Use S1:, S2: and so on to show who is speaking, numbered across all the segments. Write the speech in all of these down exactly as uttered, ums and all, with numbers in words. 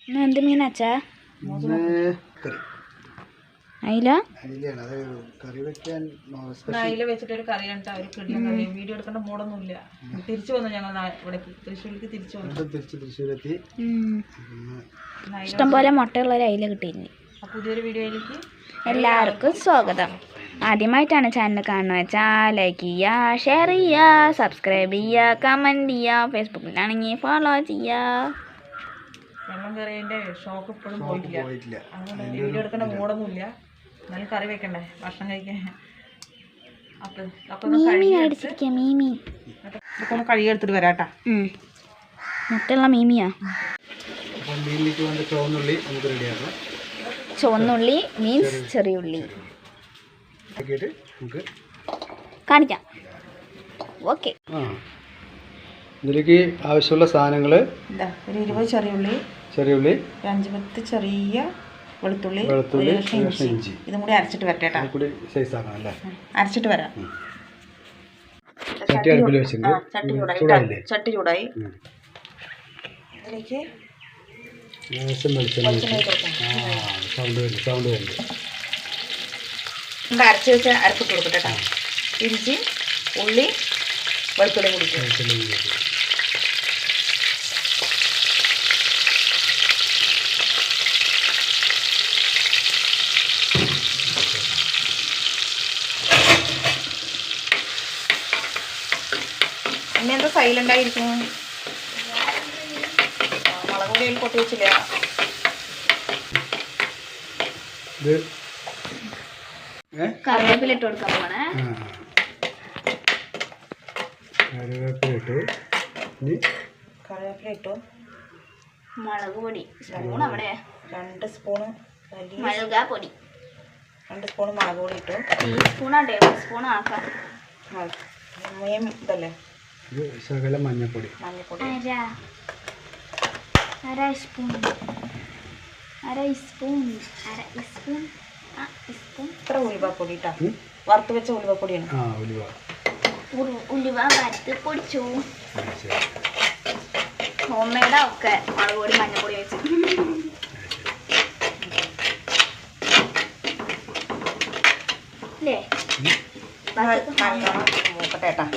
S1: എന്ത് മീനാച്ചാ? അയില
S2: അയില വെച്ചിട്ടൊരു കറി കണ്ടാ ഒരു കിടിലൻ കറി. വീഡിയോ എടുക്കേണ്ട മൂടൊന്നുമില്ല. തിരിച്ചു വന്നു ഞങ്ങൾ ഇവിടെ തൃശ്ശൂരിലേക്ക് തിരിച്ചു വന്നു.
S3: തൃശ്ശൂരെത്തി.
S1: ഇഷ്ടംപോലെ മുട്ടയുള്ള ഒരു അയില കിട്ടിയിരുന്നു.
S2: പുതിയൊരു വീഡിയോയിലേക്ക്
S1: എല്ലാവർക്കും സ്വാഗതം. ആദ്യമായിട്ടാണ് ചാനൽ കാണുന്നത് വെച്ചാൽ ലൈക്ക് ചെയ്യുക, ഷെയർ ചെയ്യുക, സബ്സ്ക്രൈബ് ചെയ്യുക, കമൻറ്റ് ചെയ്യുക, ഫേസ്ബുക്കിലാണെങ്കിൽ ഫോളോ ചെയ്യുക.
S2: വെള്ളം കറിയുടെ ഷോക്ക് ഇപ്പോഴും പോയിട്ടില്ല. അതുകൊണ്ട് വീഡിയോ എടുക്കേണ്ട മൂടൊന്നുമില്ല. എന്നാലും കറി വെക്കണ്ടേ, ഭക്ഷണം കഴിക്കാൻ. അപ്പം അപ്പം
S1: മീമി
S2: ഇതൊക്കെ ഒന്ന് കഴുകിയെടുത്തിട്ട് വരാട്ടാ.
S1: മുട്ടയുള്ള മീമിയാ. ചുവന്നുള്ളി മീൻസ് ചെറിയ ഉള്ളി കാണിക്കാം. ഓക്കെ,
S3: ഇതിലേക്ക് ആവശ്യമുള്ള സാധനങ്ങൾ
S2: എന്താ? ഒരു ഇരുപത് ചെറിയ ഉള്ളി,
S3: ചെറിയ ഉള്ളി, ഒരു
S2: അഞ്ച് പത്ത് ചെറിയ വെളുത്തുള്ളി,
S3: വെളുത്തുള്ളി,
S2: ഇഞ്ചി. ഇതും കൂടി അരച്ചിട്ട് വരട്ടെ.
S3: കൂടി സൈസ് ആക്കണം അല്ലേ?
S2: അരച്ചിട്ട് വരാം.
S3: ചട്ടി അടുപ്പിൽ വെച്ചിട്ടുണ്ട്.
S2: ചട്ടി ചൂടായി. ചട്ടി ചൂടായി. ഇതിലേക്ക്
S3: സൗണ്ട് വരും സൗണ്ട് വരും
S2: നമുക്ക് അരച്ച് വെച്ച് അരപ്പിട്ട് കൊടുക്കട്ടെ കേട്ടോ. ഇഞ്ചി, ഉള്ളി, വെളുത്തുള്ളി കുടിക്കും. പിന്നെ എന്താ സൈലൻ്റ് ആയിരിക്കും? മുളക് പൊടി അതിൽ പൊട്ടി വെച്ചില്ല.
S1: കറിവേപ്പില ഇട്ട് കൊടുക്കാൻ പോണേ.
S3: കറിവേപ്പില ഇട്ടു.
S2: കറിവേപ്പില ഇട്ടു.
S1: മുളക് പൊടി സ്പൂൺ അവിടെ
S2: രണ്ട് സ്പൂണ്
S1: മുളക് പൊടി,
S2: രണ്ട് സ്പൂണ് മുളക് പൊടി ഇട്ടു.
S1: ടീസ്പൂണോ ടേബിൾ സ്പൂണോ ആക്കാം.
S2: മെയിൻ ഇതല്ലേ
S3: ശകലം മഞ്ഞപ്പൊടി.
S2: മഞ്ഞപ്പൊടി
S1: അര സ്പൂൺ അര സ്പൂൺ അര സ്പൂൺ സ്പൂൺ
S2: ഇത്ര ഉലുവപ്പൊടി ഇട്ടാ. വറുത്ത് വെച്ച ഉലുവപ്പൊടിയാണ്.
S3: ആ ഉലുവ
S1: ഉലുവ വറുത്ത് പൊടിച്ചു. ഹോം മെയ്ഡാ ഒക്കെ. മുളക് പൊടി മഞ്ഞപ്പൊടി വെച്ച് അല്ലേ?
S2: മൂക്കട്ടെ കേട്ടാ.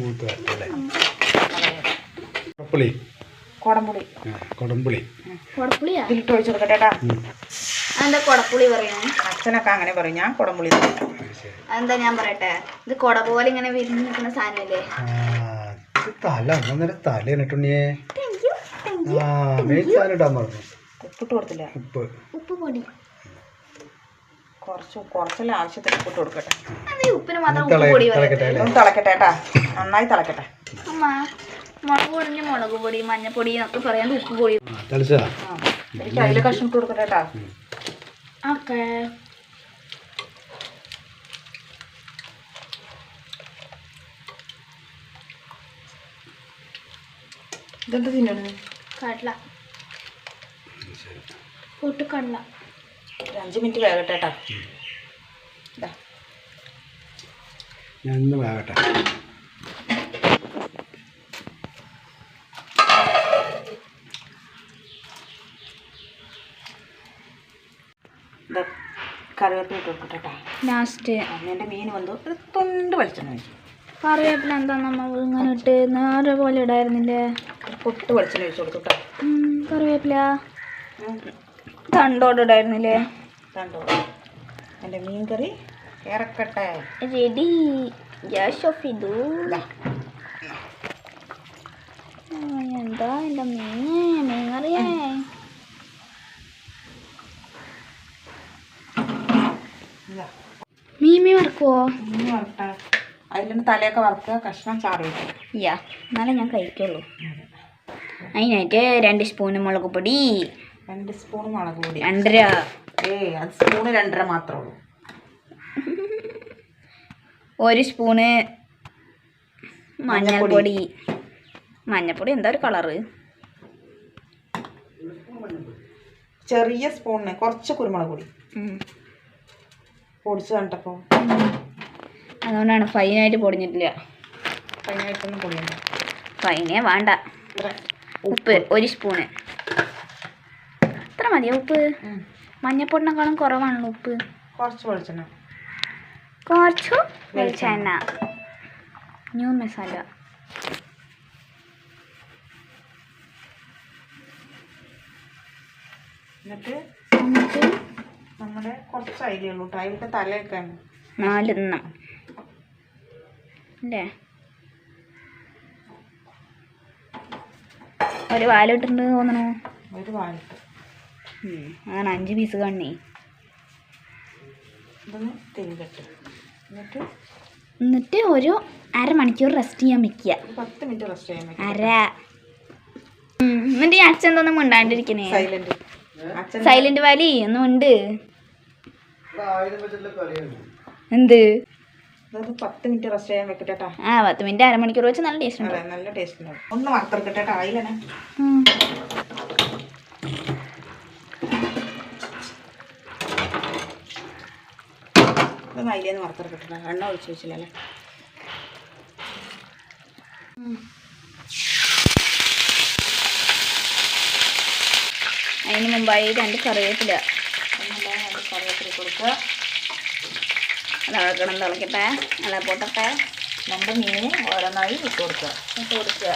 S3: കൊടംപുളി
S2: കൊടംപുളി
S3: കൊടംപുളി
S1: കൊടപ്പുളിയാ
S2: ഇതിലിട്ട് ഒഴിച്ചു കൊടുക്കട്ടെ കേട്ടാ.
S1: അതെന്താ കൊടപ്പുളി പറയുന്നത്?
S2: അച്ഛനൊക്കെ അങ്ങനെ പറയും. ഞാൻ കൊടംപുളി.
S1: അതെന്താ ഞാൻ പറയട്ടെ, ഇത് കൊട പോലെ ഇങ്ങനെ വിരിഞ്ഞ് നിൽക്കുന്ന സാധനല്ലേ?
S3: തല അന്നേരം തല എന്നിട്ടുണ്ണിയേ. ആ മെയിൻ സാധനം ഇടാൻ പറഞ്ഞു.
S2: ഉപ്പിട്ട് കൊടുത്തില്ല.
S3: ഉപ്പ്
S1: ഉപ്പ് പൊടി
S2: കുറച്ച് കുറച്ചെല്ലാം ആവശ്യത്തിന് ഉപ്പിട്ട് കൊടുക്കട്ടെ.
S1: അത് ഉപ്പിന് മാത്രം ഉപ്പ് പൊടി
S2: ഒന്ന് തിളക്കട്ടെ കേട്ടാ. നന്നായി തിളക്കട്ടെ.
S1: അമ്മ മുളക് പൊടിഞ്ഞ് മുളക് പൊടി മഞ്ഞപ്പൊടി എന്നൊക്കെ പറയാണ്ട് ഉപ്പ് പൊടി.
S2: എനിക്ക് അതിൽ കഷ്ണം ഇട്ട് കൊടുക്കട്ടെ കേട്ടാ.
S1: ഓക്കെ,
S2: ഇതെന്ത് തിന്നണത്?
S1: കടല പൊട്ടുകടല.
S2: ഒരു അഞ്ച് മിനിറ്റ് വേകട്ടെ കേട്ടാ.
S3: ഞാൻ ഇന്ന് വേകട്ടെ.
S2: കറിവേപ്പില ഇട്ട് കൊടുക്കട്ടെ കേട്ടാ.
S1: ലാസ്റ്റ്
S2: എൻ്റെ മീൻ വന്നു ഒരു തൊണ്ട് വെളിച്ചെണ്ണ ഒഴിച്ചു.
S1: കറിവേപ്പില എന്താ നമ്മൾ ഇങ്ങനെ ഇട്ട് നേരെ പോലെ ഇടായിരുന്നില്ലേ?
S2: ഒരു പൊട്ട് വെളിച്ചെണ്ണ ഒഴിച്ചു കൊടുത്തു കേട്ടോ.
S1: കറിവേപ്പില തണ്ടോട് ഇടായിരുന്നില്ലേ?
S2: തണ്ടോട്. എൻ്റെ മീൻ കറി ഇറക്കട്ടെ.
S1: റെഡി. ഗ്യാസ് ഓഫ് ചെയ്തു. എന്താ എൻ്റെ മീന് മീൻ കറിയേ? മീമി വറക്കുവോ?
S2: മീൻ വറക്കട്ടെ. അതിൻ്റെ തലയൊക്കെ വറുക്കുക. കഷ്ണം ചാറി വയ്ക്കും.
S1: യാ, എന്നാലേ ഞാൻ കഴിക്കുള്ളൂ. അതിനായിട്ട് രണ്ട് സ്പൂണ് മുളക് പൊടി,
S2: രണ്ട് സ്പൂൺ മുളക് പൊടി,
S1: രണ്ടര.
S2: ഏയ് അത് സ്പൂണ് രണ്ടര മാത്രമേ ഉള്ളൂ.
S1: ഒരു സ്പൂണ് മഞ്ഞൾപ്പൊടി. മഞ്ഞൾപ്പൊടി എന്താ ഒരു കളറ്?
S2: ചെറിയ സ്പൂണിന് കുറച്ച് കുരുമുളക് പൊടി പൊടിച്ച് കണ്ടപ്പോൾ
S1: അതുകൊണ്ടാണ് ഫൈനായിട്ട് പൊടിഞ്ഞിട്ടില്ല.
S2: ഫൈനായിട്ടൊന്നും പൊടിയണ്ട.
S1: ഫൈനേ വേണ്ട. ഉപ്പ് ഒരു സ്പൂണ്. മതിയോ ഉപ്പ്? മഞ്ഞപ്പൊടിനേക്കാളും കുറവാണല്ലോ ഉപ്പ്.
S2: കുറച്ച് വെളിച്ചെണ്ണ,
S1: കുറച്ചു വെളിച്ചെണ്ണ, ന്യൂ മസാല.
S2: എന്നിട്ട്
S1: എന്നിട്ട്
S2: നമ്മുടെ കുറച്ച് അരിയുള്ളൂ കേട്ടോ, അതിലൊക്കെ തലയൊക്കെയാണ്.
S1: നാലെണ്ണം അല്ലേ? ഒരു വാലിട്ടുണ്ട് തോന്നണു.
S2: ഒരു വാലിട്ട്
S1: അങ്ങനെ അഞ്ച് പീസ് കണ്ണി.
S2: ഇതൊന്ന് തിരികെട്ട്. എന്നിട്ട്
S1: എന്നിട്ട് ഒരു അരമണിക്കൂർ റെസ്റ്റ് ചെയ്യാൻ വെക്കുക.
S2: ഒരു പത്ത് മിനിറ്റ് റെസ്റ്റ് ചെയ്യാൻ വെക്കുക.
S1: അര എന്നിട്ട് ഈ അച്ഛൻ എന്തോന്നും മിണ്ടാണ്ടിരിക്കണേ?
S2: സൈലന്റ്. അച്ഛൻ
S1: സൈലന്റ് വാലി ഒന്നും ഉണ്ട്. എന്ത്?
S2: ഇതൊന്ന് പത്ത് മിനിറ്റ് റെസ്റ്റ് ചെയ്യാൻ വെക്കട്ടെ കേട്ടോ.
S1: ആ പത്ത് മിനിറ്റ് അരമണിക്കൂർ വെച്ച് നല്ല ടേസ്റ്റ് ഉണ്ട്.
S2: അതെ, നല്ല ടേസ്റ്റ് ഉണ്ടാവും. ഒന്ന് വറുത്തെടുക്കട്ടെ കേട്ടോ ആയില്ലേ. ഇതൊന്ന് അതിലേന്ന് വറുത്തെടുക്കട്ടെ, എണ്ണ ഒഴിച്ച് വെച്ചില്ലല്ലേ.
S1: അതിന് മുമ്പായി രണ്ട് കറിവേപ്പില
S2: രണ്ട് കറിവേപ്പില കൊടുക്കുക.
S1: അത് ഇളക്കണം, തിളക്കട്ടെ, അല്ല പൊട്ടട്ടെ.
S2: നമ്മുടെ മീൻ ഓരോന്നായി ഇട്ട് കൊടുക്കുക.
S1: ഇട്ട് കൊടുക്കുക.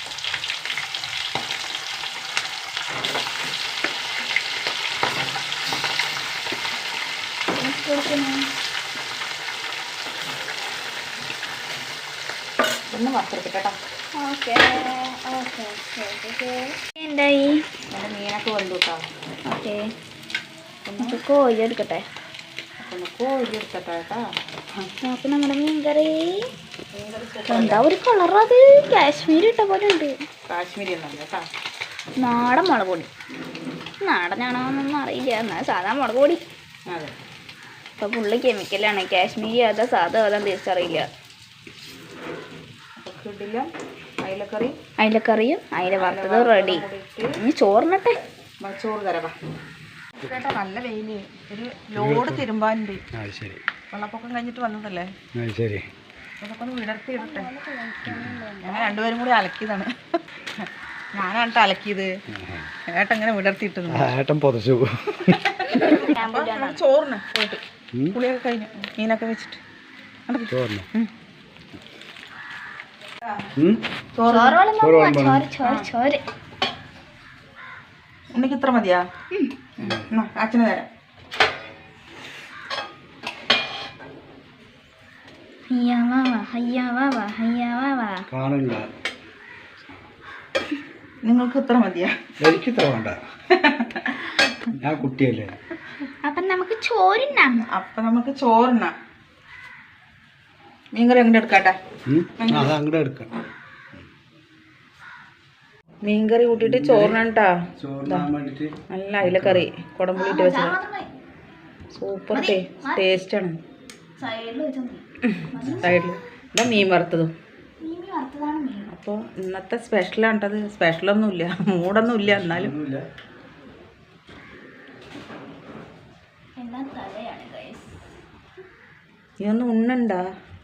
S2: ഒന്ന് വറുത്തെടുക്കട്ടെ കേട്ടോ.
S1: ഓക്കെ ഓക്കെ ഓക്കെ എന്തായി?
S2: നമ്മുടെ മീനൊക്കെ വെന്തു കേട്ടോ.
S1: ഓക്കെ നമുക്ക് കോഴി എടുക്കട്ടെ.
S2: അപ്പം ഒന്ന് കോഴി എടുക്കട്ടെ കേട്ടോ.
S1: നോക്ക് നമ്മുടെ മീൻ കറി. എന്താ ഒരു കളറത്? കാശ്മീരി ഇട്ട പോലെ ഉണ്ട്.
S2: കാശ്മീരി ഒന്നല്ല കേട്ടോ,
S1: നാടൻ മുളക് പൊടി. നാടനാണോ എന്നൊന്നും അറിയില്ല, എന്നാൽ സാധാ മുളക് പൊടി.
S2: അതെ.
S1: ഇപ്പം ഫുള്ള് കെമിക്കലാണ്. കാശ്മീരി അതാ സാധാ അതാ തിരിച്ചറിയില്ല.
S2: ഇടില്ല അയിലക്കറി,
S1: അയിലക്കറിയും അയില വറുത്തത് റെഡി. ഇനി ചോറിനട്ടെ.
S2: ചോറ് തരവാ കേട്ടോ. നല്ല വെയില്, ഒരു ലോഡ് തിരുമ്പാനുണ്ട്. വെള്ളപ്പൊക്കം കഴിഞ്ഞിട്ട് വന്നതല്ലേ, അതൊക്കെ ഒന്ന് വിടർത്തി ഇടട്ടെ. ഞങ്ങൾ രണ്ടുപേരും കൂടി അലക്കിയതാണ്. ഞാനാണ് അലക്കിയത്, ഏട്ടൻ ഇങ്ങനെ വിടർത്തിയിട്ടു.
S3: ഏട്ടൻ പൊതച്ചു.
S2: ചോറിന് പോയിട്ട് പുളിയൊക്കെ കഴിഞ്ഞു, മീനൊക്കെ വെച്ചിട്ട്
S3: ചോറിന്
S2: ഉണ്ണിക്ക് ഇത്ര മതിയാ? അച്ഛന് തരാം. നിങ്ങൾക്ക് ഇത്ര മതിയാ?
S3: എനിക്ക് ഇത്ര വേണ്ട, ഞാൻ കുട്ടിയല്ലേ.
S1: അപ്പൊ നമുക്ക് ചോറിനാം.
S2: അപ്പൊ നമുക്ക് ചോറിനാം. മീൻകറി അങ്ങോട്ട് എടുക്കാട്ടെ.
S3: അങ്ങോട്ട് എടുക്കാം.
S2: മീൻകറി കൂട്ടിയിട്ട് ചോറിനാട്ടാ.
S3: ചോറിനാൻ വേണ്ടിട്ട്
S2: നല്ല അയിലക്കറി കുടംപുളി ഇട്ട് വെച്ചത് സൂപ്പർ ടേസ്റ്റ് ആണ്. സൈഡിൽ ഇതാ മീൻ വറുത്തതും. അപ്പോൾ ഇന്നത്തെ സ്പെഷ്യലാണ് കേട്ടത്. സ്പെഷ്യലൊന്നുമില്ല, മൂടൊന്നുമില്ല, എന്നാലും ഇതൊന്നും ഉണ്ണണ്ട.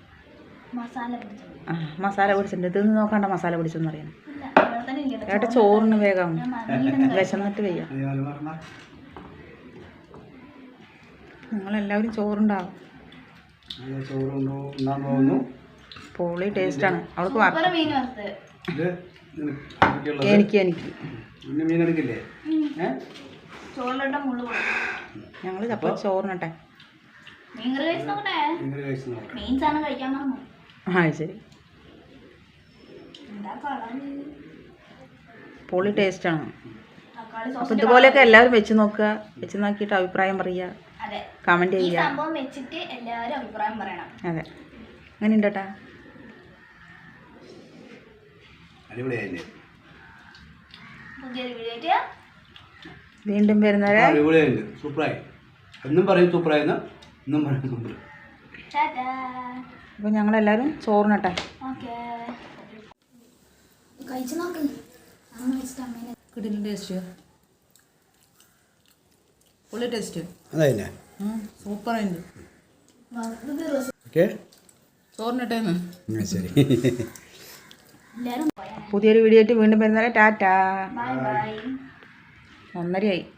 S2: ആ മസാല പിടിച്ചിട്ടുണ്ട്. ഇതൊന്നും നോക്കണ്ട, മസാല പിടിച്ചെന്ന് അറിയാം. ഏട്ടാ ചോറിന് വേഗം വിശന്നിട്ട് വയ്യ. നിങ്ങളെല്ലാവരും ചോറുണ്ടാവും. പൊളി ടേസ്റ്റാണ്. അവൾക്ക് എനിക്ക് എനിക്ക് ഞങ്ങൾ അപ്പോൾ ചോറിനട്ടെ. ആ ശരി, പൊളി ടേസ്റ്റാണ്. അപ്പം ഇതുപോലെയൊക്കെ എല്ലാവരും വെച്ച് നോക്കുക. വെച്ച് നോക്കിയിട്ട് അഭിപ്രായം പറയുക, കമൻറ്റ് ചെയ്യുക. അതെ, അങ്ങനെ ഉണ്ട് കേട്ടാ. വീണ്ടും വരുന്നവരെ അപ്പോൾ ഞങ്ങളെല്ലാവരും ചോറിനട്ടെ. കിടിലൻ ടേസ്റ്റ്, പൊളി ടേസ്റ്റ്.
S3: അതല്ലേ
S2: സൂപ്പറായിട്ട് ചോറിനട്ടേന്ന്.
S3: ശരി,
S2: പുതിയൊരു വീഡിയോ ആയിട്ട് വീണ്ടും വരുന്നവരെ ടാറ്റാ. ഒന്നരയായി.